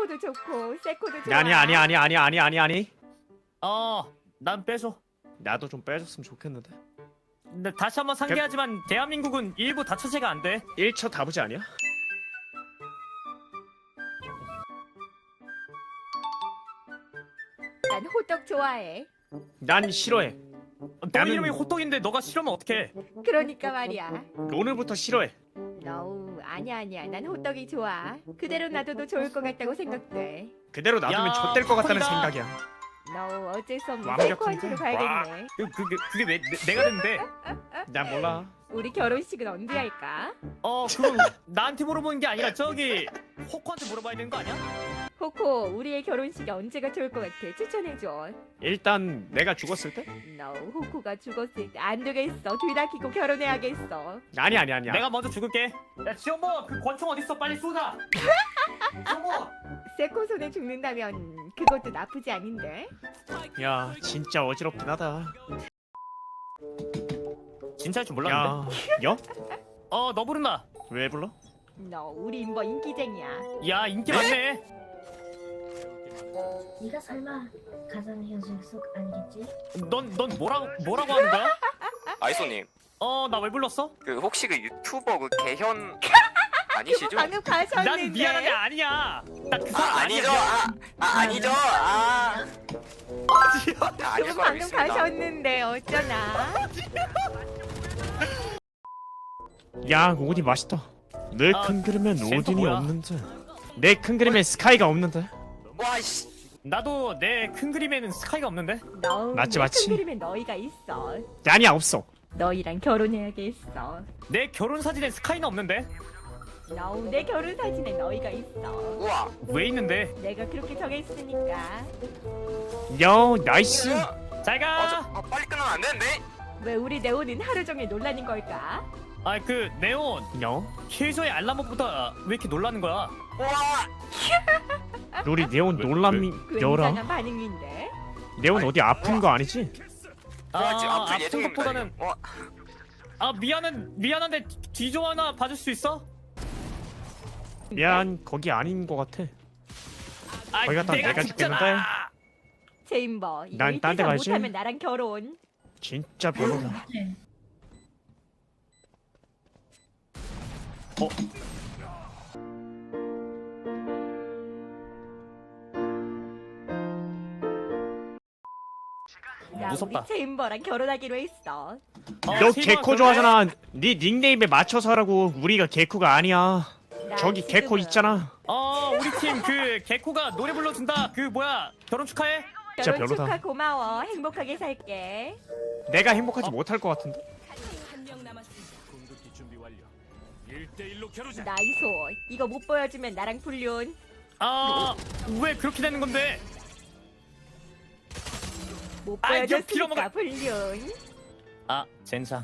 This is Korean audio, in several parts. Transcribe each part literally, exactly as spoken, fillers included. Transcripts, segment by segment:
호코도 좋고 세코도 좋아. 아니 아니 아니 아니 아니 아니 아니. 어, 난 빼줘. 나도 좀 빼줬으면 좋겠는데. 근데 다시 한번 상기하지만 대한민국은 일부 다처제가 안 돼. 일 차 다부지 아니야? 난 호떡 좋아해. 난 싫어해. 너 나는- 이름이 호떡인데 너가 싫으면 어떡해? 그러니까 말이야. 오늘부터 싫어해. No, 아니야 아니야. 난 호떡이 좋아. 그대로 놔둬도 좋을 것 같다고 생각돼. 그대로 놔두면 야, 좆될 것 같다는 호떡이다. 생각이야. No, 어쩔 수 없는 완벽한데? 세코한테로 가야겠네. 그, 그게 그게 왜 내, 내가 됐는데? 난 몰라. 우리 결혼식은 언제 할까? 어, 그건 나한테 물어보는 게 아니라 저기 호코한테 물어봐야 되는 거 아니야? 호코, 우리의 결혼식이 언제가 좋을 것 같아? 추천해줘. 일단 내가 죽었을 때? No, 호코가 죽었을 때 안 되겠어. 둘 다 키고 결혼해야겠어. 아니 아니 아니야. 내가 먼저 죽을게. 야, 지원모, 그 권총 어디 있어? 빨리 쏘자. 지원모. 세코 손에 죽는다면 그것도 나쁘지 않은데. 야 진짜 어지럽긴 하다. 진짜 할 줄 몰랐는데. 야, 여? 어, 너 부른다. 왜 불러? No, 우리 임버 인기쟁이야. 야, 인기 많네. 네가 설마 가상현실 속 아니겠지? 넌 넌 뭐라고 뭐라고 하는 거야? 아이소님, 어, 나 왜 불렀어? 그 혹시 그 유튜버 그 개현 아니시죠? 방금 가셨는데. 난 미안한데 아니야. 나 그 아, 사람 아니죠? 아니야. 아, 아 아니죠? 아, 아 아닐 그분 거라 방금 믿습니다. 가셨는데 어쩌나. 야 오디 맛있다. 내 아, 큰 그림엔 쟤는 또 오딘이 뭐야? 없는데. 내 큰 그림엔 스카이가 없는데. 와 씨, 나도 내 큰 그림에는 스카이가 없는데. 너 맞지, 내 맞지. 큰 그림에 너희가 있어. 아니야 없어. 너희랑 결혼해야겠어. 내 결혼 사진에 스카이는 없는데. 너 내 결혼 사진에 너희가 있어. 우와. 왜 있는데? 내가 그렇게 정했으니까. 야 나이스. 잘 아, 저, 가. 아, 빨리 끊으면 안 되는데? 왜 우리 네오는 하루 종일 놀라는 걸까? 아, 그 네온 야 킬조의 알람보다 왜 이렇게 놀라는 거야? 우와. 우리 네온 놀람이 열아. 굉장한 반응인데. 네온 어디 아픈 거 아니지? 우와, 지금 아, 아플 아픈 예정입니다. 것보다는 지금. 와, 아 미안한 미안한데 뒤좀 하나 봐줄 수 있어? 미안 거기 아닌 거 같아. 아, 거기 갔다 내가 죽잖아. 제임버, 난 이거 딴데 이태선 가야지. 못하면 나랑 결혼. 진짜 별로다. 네. 어? 나 무섭다. 우리 제임버랑 결혼하기로 했어. 어, 너 실망 개코 그래? 좋아하잖아. 네 닉네임에 맞춰서 하라고. 우리가 개코가 아니야. 나 저기 지금은 개코 있잖아. 어, 우리 팀 그 개코가 노래 불러준다. 그 뭐야? 결혼 축하해. 진짜 결혼 별로다. 축하 고마워. 행복하게 살게. 내가 행복하지 못할 것 같은데. 나이소. 이거 못 보여주면 나랑 불륜. 아, 왜 그렇게 되는 건데? 못 아, 이거 보여줬으니까 빌어먹을- 불륜. 아, 젠장.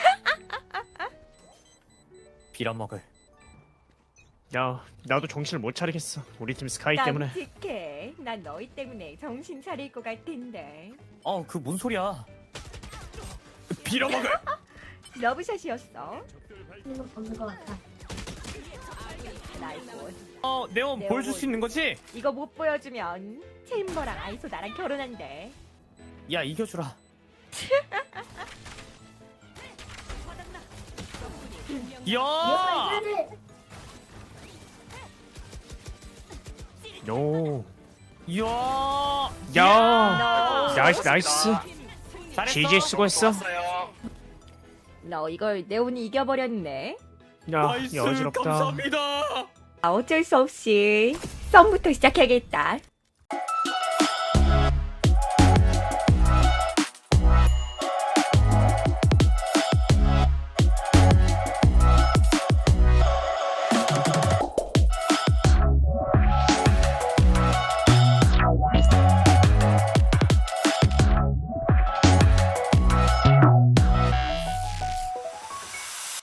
빌어먹을. 야 나도 정신을 못 차리겠어. 우리 팀 스카이 때문에. 깜찍해. 난 너희 때문에 정신 차릴 것 같은데. 어, 그 뭔 소리야? 빌어먹을. 러브샷이었어. 이거 보는 것 같아. 나이소. 어, 네온 네온. 보여줄 수 있는 거지? 이거 못 보여주면 체임버랑 아이소 나랑 결혼한대. 야, 이겨주라. 야! 요. 야! 야. 너, 나이스 나이스. 잘했어. 지지 수고했어. 좋았어요. 너 이걸 네온이 이겨버렸네. 야 나이스, 어지럽다. 감사합니다. 아, 어쩔 수 없이 썸부터 시작해야겠다.